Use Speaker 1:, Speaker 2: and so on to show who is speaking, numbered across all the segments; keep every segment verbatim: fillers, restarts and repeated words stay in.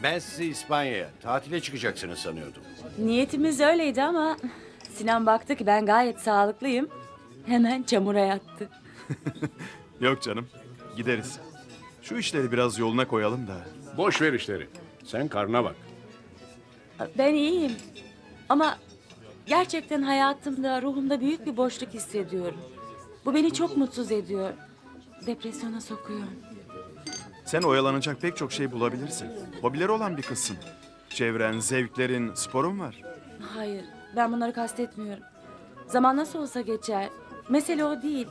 Speaker 1: Ben sizi İspanya'ya tatile çıkacaksınız sanıyordum.
Speaker 2: Niyetimiz öyleydi ama Sinan baktı ki ben gayet sağlıklıyım. Hemen çamura yattı.
Speaker 3: Yok canım, gideriz. Şu işleri biraz yoluna koyalım da.
Speaker 1: Boş ver işleri. Sen karnına bak.
Speaker 2: Ben iyiyim. Ama gerçekten hayatımda, ruhumda büyük bir boşluk hissediyorum. Bu beni çok mutsuz ediyor. Depresyona sokuyor.
Speaker 3: Sen oyalanacak pek çok şey bulabilirsin. Hobileri olan bir kızsın. Çevren, zevklerin, sporun var.
Speaker 2: Hayır, ben bunları kastetmiyorum. Zaman nasıl olsa geçer. Mesele o değil.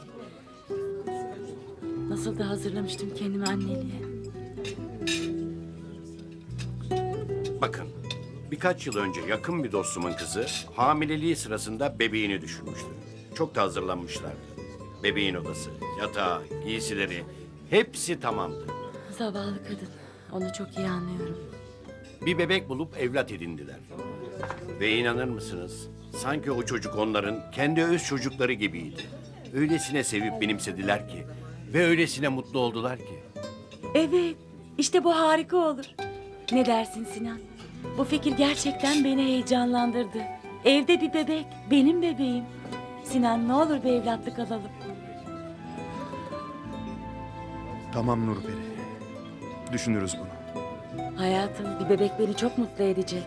Speaker 2: Nasıl da hazırlamıştım kendimi anneliğe.
Speaker 1: Bakın, birkaç yıl önce yakın bir dostumun kızı hamileliği sırasında bebeğini düşürmüştü. Çok da hazırlanmışlardı. Bebeğin odası, yatağı, giysileri hepsi tamamdı.
Speaker 2: Zavallı kadın. Onu çok iyi anlıyorum.
Speaker 1: Bir bebek bulup evlat edindiler. Ve inanır mısınız? Sanki o çocuk onların kendi öz çocukları gibiydi. Öylesine sevip benimsediler ki ve öylesine mutlu oldular ki.
Speaker 2: Evet, işte bu harika olur. Ne dersin Sinan? Bu fikir gerçekten beni heyecanlandırdı. Evde bir bebek, benim bebeğim. Sinan ne olur bir evlatlık alalım.
Speaker 3: Tamam Nurperi. Düşünürüz bunu.
Speaker 2: Hayatım, bir bebek beni çok mutlu edecek.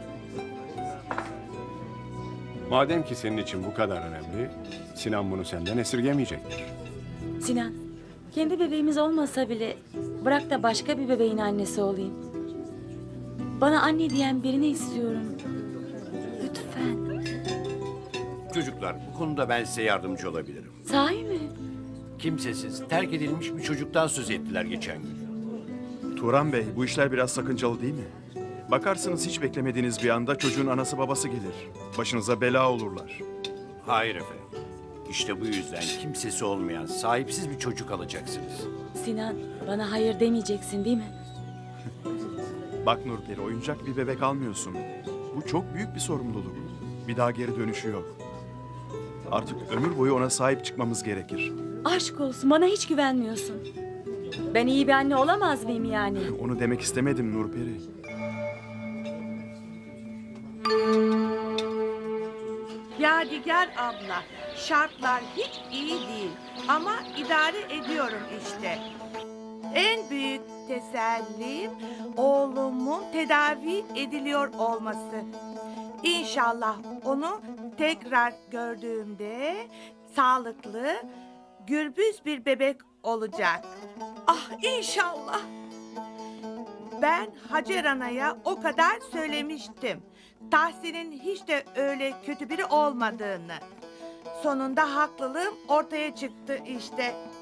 Speaker 4: Madem ki senin için bu kadar önemli, Sinan bunu senden esirgemeyecektir.
Speaker 2: Sinan, kendi bebeğimiz olmasa bile bırak da başka bir bebeğin annesi olayım. Bana anne diyen birini istiyorum. Lütfen.
Speaker 1: Çocuklar, bu konuda ben size yardımcı olabilirim.
Speaker 2: Sahi mi?
Speaker 1: Kimsesiz, terk edilmiş bir çocuktan söz ettiler geçen gün.
Speaker 3: Turan Bey, bu işler biraz sakıncalı değil mi? Bakarsınız hiç beklemediğiniz bir anda çocuğun anası babası gelir. Başınıza bela olurlar.
Speaker 1: Hayır efendim. İşte bu yüzden kimsesi olmayan, sahipsiz bir çocuk alacaksınız.
Speaker 2: Sinan, bana hayır demeyeceksin değil mi?
Speaker 3: Bak Nurperi, oyuncak bir bebek almıyorsun. Bu çok büyük bir sorumluluk. Bir daha geri dönüşü yok. Artık ömür boyu ona sahip çıkmamız gerekir.
Speaker 2: Aşk olsun, bana hiç güvenmiyorsun. Ben iyi bir anne olamaz mıyım yani?
Speaker 3: Onu demek istemedim Nurperi.
Speaker 5: Yadigar abla, şartlar hiç iyi değil ama idare ediyorum işte. En büyük tesellim oğlumun tedavi ediliyor olması. İnşallah onu tekrar gördüğümde sağlıklı, gürbüz bir bebek olacak. Ah inşallah. Ben Hacer Ana'ya o kadar söylemiştim. Tahsin'in hiç de öyle kötü biri olmadığını. Sonunda haklılığım ortaya çıktı işte.